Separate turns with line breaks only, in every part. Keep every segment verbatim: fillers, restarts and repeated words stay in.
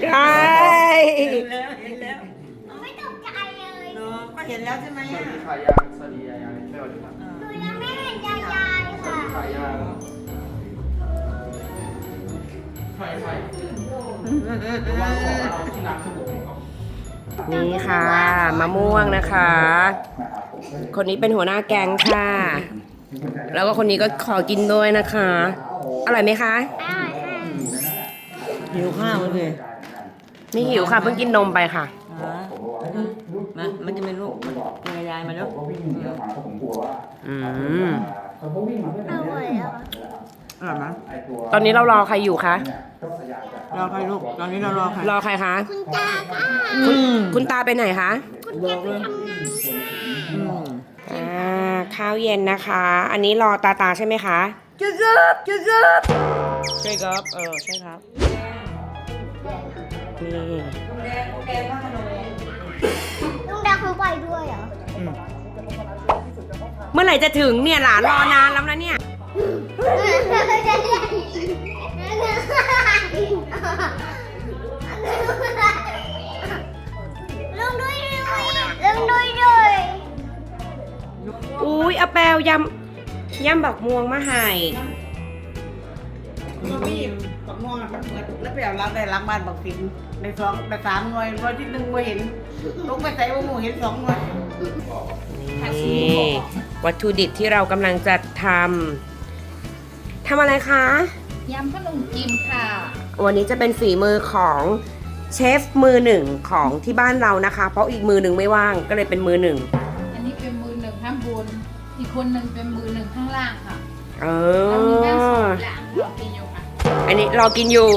ใช่
เห็นแล้วเห็นแล้ว
ไม่ตกใจเลย
เนาะก็เห็นแล้วใช่ไหม
สวั
อ่ะ
สดีค่ะยายสวัสดียายยไม่สวัสดีครับ
หนูยังไม่เห็นยายยาย
สวัส
ค่ะ
ดีค่ะยายใช่ใช่ระวังของเราที่น้ำสบู่ครับ
นี่ค่ะมะม่วงนะคะ คนนี้เป็นหัวหน้าแก๊งค่ะ แล้วก็คนนี้ก็ขอกินด้วยนะคะ อร่อยไหมคะ
อร่อยค่ะ
หิวข้าวเลย
ไม่หิวค่ะเพิ่งกินนมไปค่ะ
มามันจะเป็นลูกมันยายมาแล้ว
อืม
อร่อยแล้ว
อร่อยไหม
ตอนนี้เรารอใครอยู่คะ
รอใครลูกตอนนี้เรารอใคร
รอใครคะ
คุณตาค่ะ
คุณคุณตาไปไหนคะ
คุณตาไปทำงาน
อืม
อ่าข้าวเย็นนะคะ อันนี้รอตาตาใช่ไหมคะจุ๊บจุ๊บจุ๊บใช่ครับเออใช่ครับนี่
แดงแดงพระขนม
ลุงดาเขาไปด้วยเหรอ
เมื่อไหร่จะถึงเนี่ยหลานรอนานแล้วนะเนี่ย
ลุงด้วยด้วยลุงด้วยด้วย
อุ้ยเอาแปลวยำยำบักม่วงมาให้
มันมีบักม่วงมันเหมือนแล้วไปเอาล้างได้ล้างบ้านบักสิงในสองในสามหน่วยหน่วยที่หนึ่งไม่เห็นลูกไปใส่ว่าหมูเห็นสองหน่วย
นี่วัตถุดิบที่เรากำลังจะทำทำอะไรคะ
ยำขนมจีนค่ะ
วันนี้จะเป็นฝีมือของเชฟมือหนึ่งของที่บ้านเรานะคะ เพราะอีกมือหนึ่งไม่ว่างก็เลยเป็นมือหนึ่ง
อันนี้เป็นมือหนึ่งข้างบน อีกคนหนึ่งเป็นมือหนึ่งข้างล่างค่ะ
เอ
เรามีแม่สอ
อง
หลังเรากินอยู่ค่ะ
อันนี้รอกินอยู่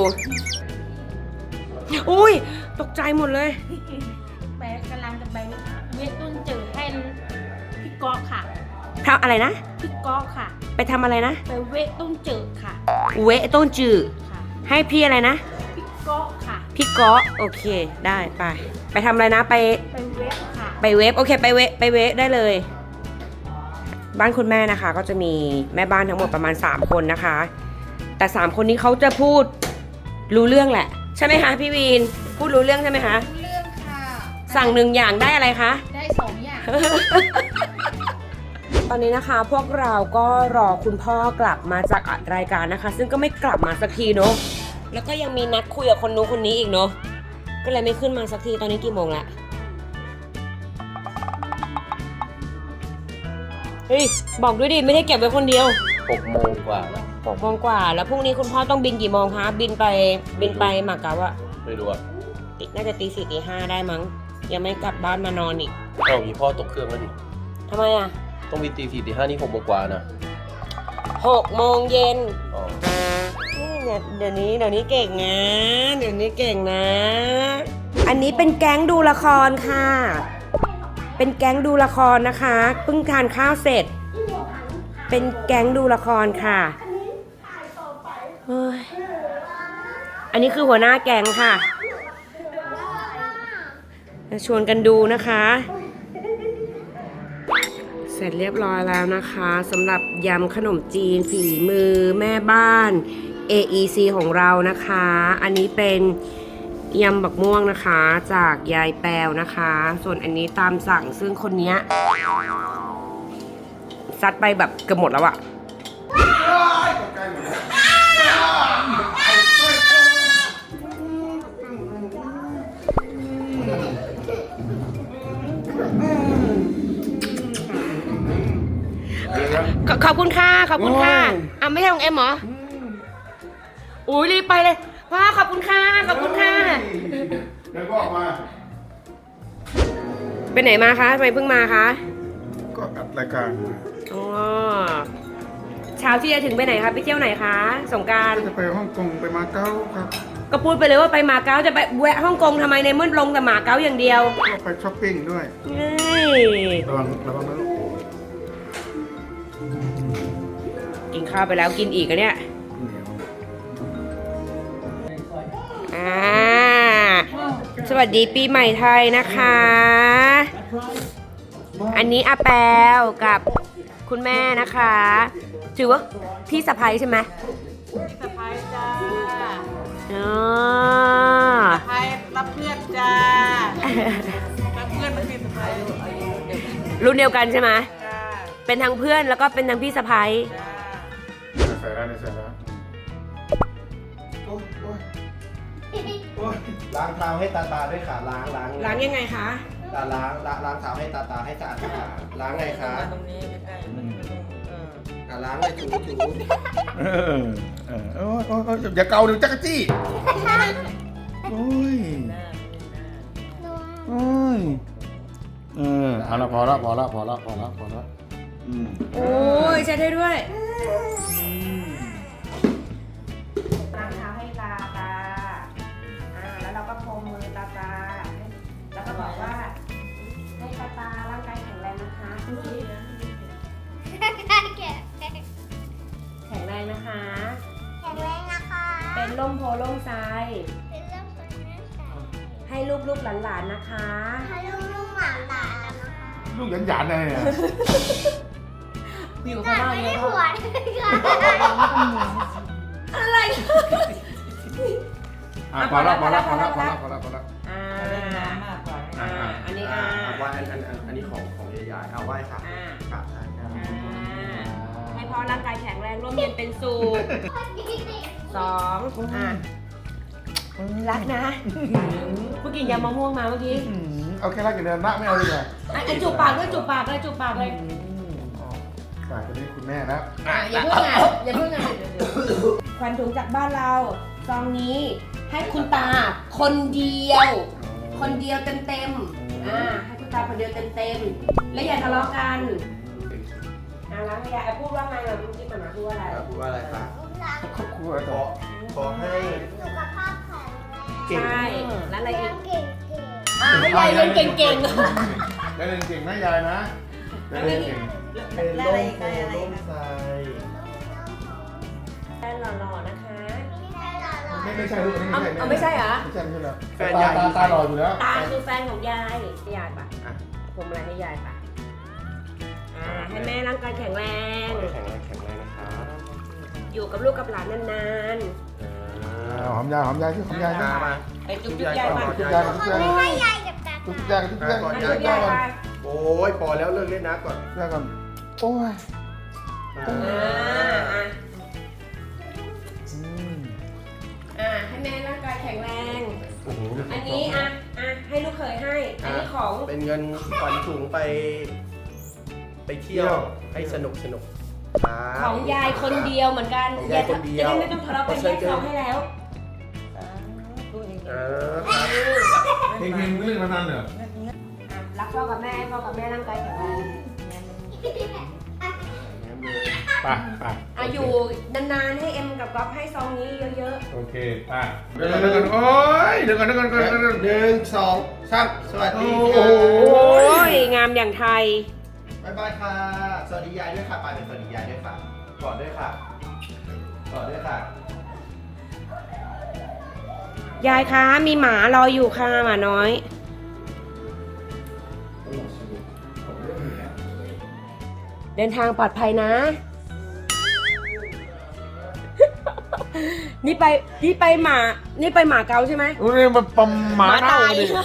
อุ้ยตกใจหมดเลย
แปะกำลังจะไปเวทต้นจืดให้พี่ก๊อกค่ะ
ทำอะไรนะ
พี่ก๊อกค่ะ
ไปทำอะไรนะ
ไปเวทต้นจืดค่ะ
เวะต้นจืด
ค่ะ
ให้พี่อะไรนะ
พี่ก๊อกค่ะ
พี่ก๊อโอเคได้ไป ไปทำอะไรนะไป
ไปเวทค่ะ
ไปเวฟโอเคไปเวฟไปเวฟได้เลย บ้านคุณแม่นะคะ ก็จะมีแม่บ้านทั้งหมดประมาณสามคนนะคะ แต่สามคนนี้เขาจะพูดรู้เรื่องแหละ ใช่ไหมคะพี่วีนพูดรู้เรื่องใช่ไหมคะ
รู้เรื่องค่ะ
สั่งหนึ่งอย่างได้อะไรคะ
ได้สองอย่าง
ตอนนี้นะคะพวกเราก็รอคุณพ่อกลับมาจากอัดรายการนะคะ ซึ่งก็ไม่กลับมาสักทีเนาะแล้วก็ยังมีนัดคุยกับคนนู้นคนนี้อีกเนาะก็เลยไม่ขึ้นมาสักทีตอนนี้กี่โมงละเฮ้ยบอกด้วยดิไม่ได้เก็บไว้คนเดียว
หกโมงกว่าแล้ว
หกโมงกว่าแล้วพรุ่งนี้คุณพ่อต้องบินกี่โมงคะบินไปบินไปมาเก๊าอะ
ไม่รู้อ่ะ
น่าจะตีสี่ตีห้าได้มั้งยังไม่กลับบ้านมานอนอีก
เอ้ามีพ่อตกเครื่องแล้วดิ
ทำไมอะ
ต้องมีตีสี่ตีห้านี่หกโมงกว่านะ
หกโมงเย็น
อ๋อ
นี่เนี่ยเดี๋ยวนี้เดี๋ยวนี้เก่งนะเดี๋ยวนี้เก่งนะ อันนี้เป็นแก๊งดูละครค่ะ เป็นแก๊งดูละครนะคะเพิ่งทานข้าวเสร็จ เป็นแก๊งดูละครค่ะเฮ้ยอันนี้คือหัวหน้าแก๊งค่ะจะชวนกันดูนะคะ เสร็จเรียบร้อยแล้วนะคะสำหรับยำขนมจีนฝีมือแม่บ้าน เอ อี ซี ของเรานะคะ อันนี้เป็นยำบักม่วงนะคะจากยายแปวนะคะ ส่วนอันนี้ตามสั่งซึ่งคนเนี้ยซัดไปแบบเกือบหมดแล้วอะขอขอบคุณค่ะขอบคุณค่ะอ่ะไม่ใช่ของเอ็มเหรออุ้ยรีบไปเลยพ่อขอบคุณค่ะขอบคุณค่ะ
เดี๋ยวก็ออกมา
ไปไหนมาคะทำไมเพิ่งมาคะ
ก็อัดรายการ
อ๋อเช้าที่จะถึงไปไหนคะไปเที่ยวไหนคะสงกรานต์
จะไปฮ่องกงไปมาเก๊าครับ
ก็พูดไปเลยว่าไปมาเก๊าจะไปแวะฮ่องกงทำไมในเมื่อลงแต่มาเก๊าอย่างเดียว
ก็ไปช้อปปิ้งด้วย
เฮ้ย
ระวังระวังนะลูก
กินข้าวไปแล้วกินอีกอะเนี่ย
เหนียว
อ่าสวัสดีปีใหม่ไทยนะคะ อันนี้อาแปวกับคุณแม่นะคะ ถือว่าพี่สะใภ้ใช่ไหม
พี่สะพ้ายจ้า
อ๋อ
สะพ้ายรับเพื่อนจ้ารับเพื่อนมันพี่สะพ้ายอายุเด็ก
รุ่นเดียวกันใช่ไหม
จ้า
เป็นทั้งเพื่อนแล้วก็เป็นทั้งพี่สะพ้าย
จ้า
ใส่แล้วใส่แล้วโอ้ยโอ้ยโอ้ยล้างเท้าให้ตาตาด้วยค่ะล้างล้าง
ล้างยังไงคะ
ตาล้างล้างล้างเท้าให้ตาตาให้สะอาดสะอาดล้างไงคะ
มาตรงนี้ใกล้ๆมันตรงเออ
อ่ะล้างเลยถูถูเออเออโอ้ยโอ้ยโอ้ยอย่าเกาเดี๋ยวจักรจี้โอ้ย
หน้าหน้า
โอ้ยเออเอาละพอละพอละพอละพอละพอละอืม
โอ้ยใช้ได้ด้วยล้างเท้าให้ตาตาอ่าแล้วเราก็พรมมือตาตา แล้วก็บอกว่าให้ตาตาร่างกายแข็งแรงนะคะแข็งแรงนะคะ
แข็งแรงนะคะ
เป็นร่มโพล่มไทร
เป็นเรื่องคนแม่สาว
ให้ลูกๆหลานๆนะคะ
ให้ลูกๆหลานๆนะคะ
ลูกหยันหยันๆเลยเนี่ย
อยู่
แต่
ข้างนอก
ไม่
เย
ได้
อะ
หัวค่ะ
อะไร
อ่ะพอละพอละพอละพอละพอละพอละ
อ่า
เล่นน้ำมากกว่า
อ่าอันนี้อ่า
ไหว้อันอันอันอันนี้ของของยายๆเอาไหว้ค่ะ
อ่า
กราบถ่ายนะ
อ่าให้พ่อร่างกายแข็งแรงร่มเย็นเป็นสุขสองอ่ะรักนะเมื่อกี้ยำมะม่วงมาเมื่อกี้
อืมเอาแค่รักอย่างเดียวนะไม่เอาดีกว่า
อ่ะอ่ะจูบปากด้วยจูบปากเลยจูบปากเลย
ฝากจะได้คุณแม่นะ
อ่ะอย่าเพิ่งอ่ะอย่าเพิ่งอ่ะควันถุงจากบ้านเราซองนี้ให้คุณตาคนเดียว คนเดียวเต็มๆอ่าให้คุณตาคนเดียวเต็มๆแล้วอย่าทะเลาะกันอ่ะแล้วอย่าไอ้พูดว่าไงเราเมื่อกี้มันมาพูดว่าอะไร
พูดว่าอะไรคะ ครอบครัวขอขอให้
สุขภาพแข็งแรง
เก่ง
ใช่แล้วอะไร
เรี
อี
ย
ก
นเก่ง
อ่ะให้ยายเรียนเก่ง
ได้เรียนเก่งนะยายนะได้เรียนเก่งเป็นโล่งโพล่มไทร
ๆแฟนหล่อๆนะคะ
ๆ
ไม่ไม่ใช่ลูกนี่
เอา
ไม่ใช่
เอาไม่ใช่เหรอ
ไม่ใช่ไม่ใช่แล้ว
แฟนยาย
ตาตาหล่ออยู่แล้ว
ตาคือแฟนของยายให้ยายปะ
อ่ะ
ผมอะไรให้ยายปะอ่าให้แม่ร่างกายแข็งแรง
ขอให้แข็งแรงแข็งแรงนะครับ
อยู่กับลูกกับหลานนาน
เอาหอมยายหอมยายที่หอมยายนะ
มา
ๆไปจุ๊บจุ๊บยายมา
จุ๊บยายจุ๊บ
เขา
ยาย
ไม่ให้ยายกับตา
จุ๊บ
ตาย
ายจุ๊บยาย
ก่อน
มา
ยา
จุ๊
ย
บยายมา
โอ้ยพอแล้วเลิกเล่นนะก่อน
ยายก่อนโอ้ย
อ่าอ่ะ
อืม
อ่าให้แม่ร่างกายแข็งแรง
โอ้โห
อันนี้อ่ะอ่ะให้ลูกเคยให้ อันนี้ของ
เป็นเงินขวัญถุงไป ไปเที่ยวให้สนุกสนุกครับ
ของยายคนเดียวเหมือนกัน
ของยายคนเดียว
จะได้ไม่ต้องทะเลาะกันแยกซองให้แล้ว
เออครับ
เพลงเพลงเล่นมานานเหรอ
อ่ะรักพ่อกับแม่ให้พ่อกับแม่ร่างกายแข็งแรง
ไปไป
อ่ะอยู่นานๆให้เอ็มกับก๊อฟให้ซองนี้เยอะ
โอเคไปเดี๋ยวก่อนเดี๋ยวก่อนโอ้ยเดี๋ยวก่อนเดี๋ยวก่อนเดี๋ยวก่อนเดี๋ยวก่อน
หนึ่งสองสามสวัสดี
โอ้
ค
โห
รับ
ๆ โอ้ยงามอย่างไทย
บ๊ายบายค่ะ สวัสดียายด้วยค่ะไปเป็นสวัสดียายด้วยค่ะกอดด้วยค่ะกอดด้วยค่ะ
ยายคะมีหมารออยู่ค่ะหมาน้อย เดินทางปลอดภัยนะ นี่ไปนี่ไปหมานี่ไปหมาเกาใช่ไหม
โอ้ยมันปั๊มหมาเน่า
ตาย
ดิ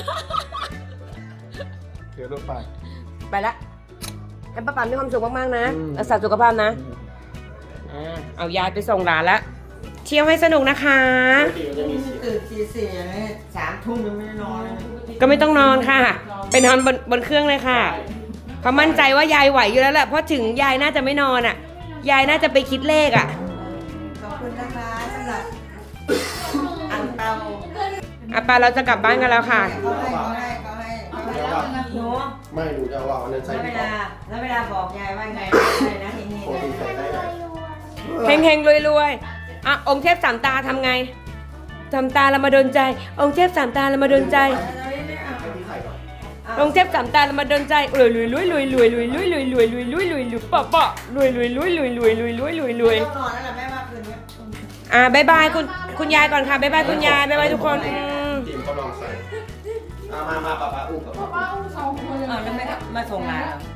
เดี๋ยวรถไป
ไปละให้ป้าปันมีความสุขมากๆนะ
อืม
รักษาสุขภาพนะอ่าเอายายไปส่งหลานละเที่ยวให้สนุกนะคะ
ตื่นตีสี่อย่างนี้สามทุ่มยังไม่ได้นอนเลย
ก็ไม่ต้องนอนค่ะ ไปนอนบนบนเครื่องเลยค่ะเขามั่นใจว่ายายไหวอยู่แล้วแหละเพราะถึงยายน่าจะไม่นอนอ่ะ ยายน่าจะไปคิดเลขอ่ะ
ขอบคุณนะคะสำหรับอังเปา
อ่ะปาเราจะกลับบ้านกันแล้วค่ะ
เขาให้เขาให้เขาให้เขาให้แล้วนะหนู
ไม่หนูจะเอาอันนั้นใส่
แล้วเว
ดีกว่า
ลาแล้วเวลาบอกยายว่าไงอะไรนะทีนี้
โอ้ยใส่ได้เลย
เฮงเฮงรวยรวยๆอ่ะองค์เทพสามตาทำไงทำตาเรามาโดนใจ องค์เทพสามตาเรามาโดนใจ
ให้พี่ใส่ก่อน
องค์เทพสามตาเรามาโดนใจรวยรวยรวยรวยรวยรวยรวยรวยรวยรวยรวยรวยรวยปะปะรวยรวยรวยรวยรวยรวยรวยรวยรวย
ต้องนอนแล้วแหละแม่ว่าคืนนี้
อ่ะบายบายคุณคุณยายก่อนค่ะบายบายคุณยายบายบายทุกคนอืม
ทีมเขาลองใส่เอามามาป้าป้าอุ้มกับป้า
อ๋อแล้วแม่มาส่งหลานเหรอ